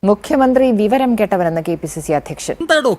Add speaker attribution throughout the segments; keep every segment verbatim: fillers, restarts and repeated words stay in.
Speaker 1: മുഖ്യമന്ത്രി വിവരം കേട്ടവരെന്ന് കെ പി സി സി അധ്യക്ഷൻ.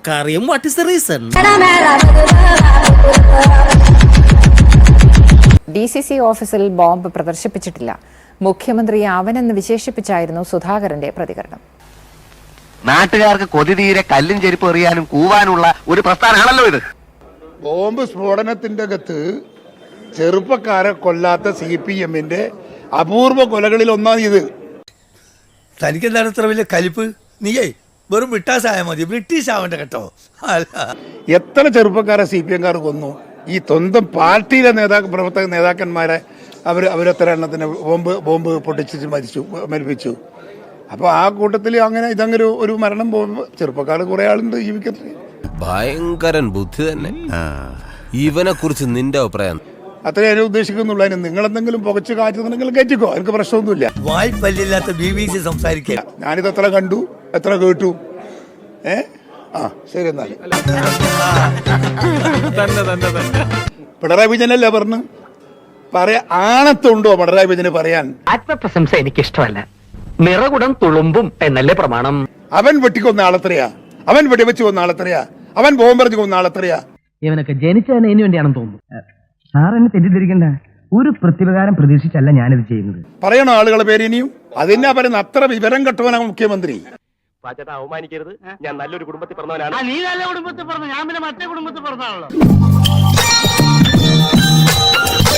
Speaker 1: ഡി സി സി ഓഫീസിൽ ബോംബ് പ്രദർശിപ്പിച്ചിട്ടില്ല. മുഖ്യമന്ത്രി അവനെന്ന് വിശേഷിപ്പിച്ചായിരുന്നു സുധാകരന്റെ പ്രതികരണം.
Speaker 2: നാട്ടുകാർക്ക് കൊതി തീരെ കല്ലും ചെരുപ്പ് എറിയാനും കൂവാനുള്ള ഒരു പ്രസ്ഥാനമാണല്ലോ ഇത്.
Speaker 3: ബോംബ് സ്ഫോടനത്തിന്റെ അകത്ത് ചെറുപ്പക്കാരെ കൊല്ലാത്ത സി പി എമ്മിന്റെ അപൂർവ കൊലകളിൽ ഒന്നാണ് ഇത്.
Speaker 4: തനിക്കെന്താണ് ഇത്ര വലിയ കലിപ്പ്? നീയേ വെറും ബ്രിട്ടീഷായ മതി, ബ്രിട്ടീഷ് ആവണ്ട കേട്ടോ.
Speaker 3: എത്ര ചെറുപ്പക്കാരെ സി പി എംകാർ കൊന്നു? ഈ സ്വന്തം പാർട്ടിയിലെ നേതാക്ക പ്രവർത്തക നേതാക്കന്മാരെ അവർ അവരെത്ര എണ്ണത്തിന് ബോംബ് ബോംബ് പൊട്ടിച്ച് മരിച്ചു മരിപ്പിച്ചു. അപ്പോൾ ആ കൂട്ടത്തിൽ അങ്ങനെ ഇതങ്ങനെ ഒരു മരണം പോകുമ്പോൾ ചെറുപ്പക്കാർ കുറെ ആളുണ്ട് ജീവിക്കുന്നത്.
Speaker 5: ഭയങ്കരൻ ബുദ്ധി തന്നെ. ഇവനെ കുറിച്ച് നിന്റെ അഭിപ്രായം?
Speaker 3: അത്രേ ഞാൻ ഉദ്ദേശിക്കുന്നുള്ളൂ. അതിന് നിങ്ങളെന്തെങ്കിലും പുകച്ച് കാറ്റുന്നുണ്ടെങ്കിൽ കയറ്റിക്കോ, എനിക്ക് പ്രശ്നമൊന്നുമില്ല.
Speaker 4: വായ്പല്ലില്ലാത്ത ബി ബി സി സംസാരിക്കുക.
Speaker 3: ഞാനിത് എത്ര കണ്ടു, എത്ര കേട്ടു. ഏ ആ ശരി. എന്നാൽ പിണറായി വിജയനല്ലേ പറഞ്ഞു പറയാ ആണത്തുണ്ടോ പിണറായി വിജയന് പറയാൻ?
Speaker 6: ആത്മപ്രശംസ എനിക്ക് ഇഷ്ടമല്ല. നിറകുടം തുളുമ്പും എന്നല്ലേ പ്രമാണം.
Speaker 3: അവൻ വെട്ടിക്കൊന്ന ആളെത്രയാ? അവൻ വെടിവെച്ച് കൊന്ന ആളെത്രയാ? അവൻ ബോംബെറിഞ്ഞ് കൊന്ന ആളെത്രയാ?
Speaker 7: ഇവനൊക്കെ ജനിച്ചതിന് ഇനി വേണ്ടിയാണെന്ന് തോന്നുന്നു. സാർ എന്നെ തെറ്റിദ്ധരിക്കണ്ട. ഒരു പ്രതിപകാരം പ്രതീക്ഷിച്ചല്ല ഞാനിത് ചെയ്യുന്നത്.
Speaker 3: പറയണോ ആളുകളെ പേര് ഇനിയും? അതിനാ പറയുന്ന അത്ര വിവരം കെട്ടവനാണ് മുഖ്യമന്ത്രി.
Speaker 2: അവമാനിക്കരുത്. ഞാൻ നല്ലൊരു കുടുംബത്തിൽ പറഞ്ഞവനാണ്.
Speaker 6: നീ നല്ല കുടുംബത്തിൽ പറഞ്ഞു, ഞാൻ പിന്നെ മറ്റേ കുടുംബത്തിൽ പറഞ്ഞാണല്ലോ.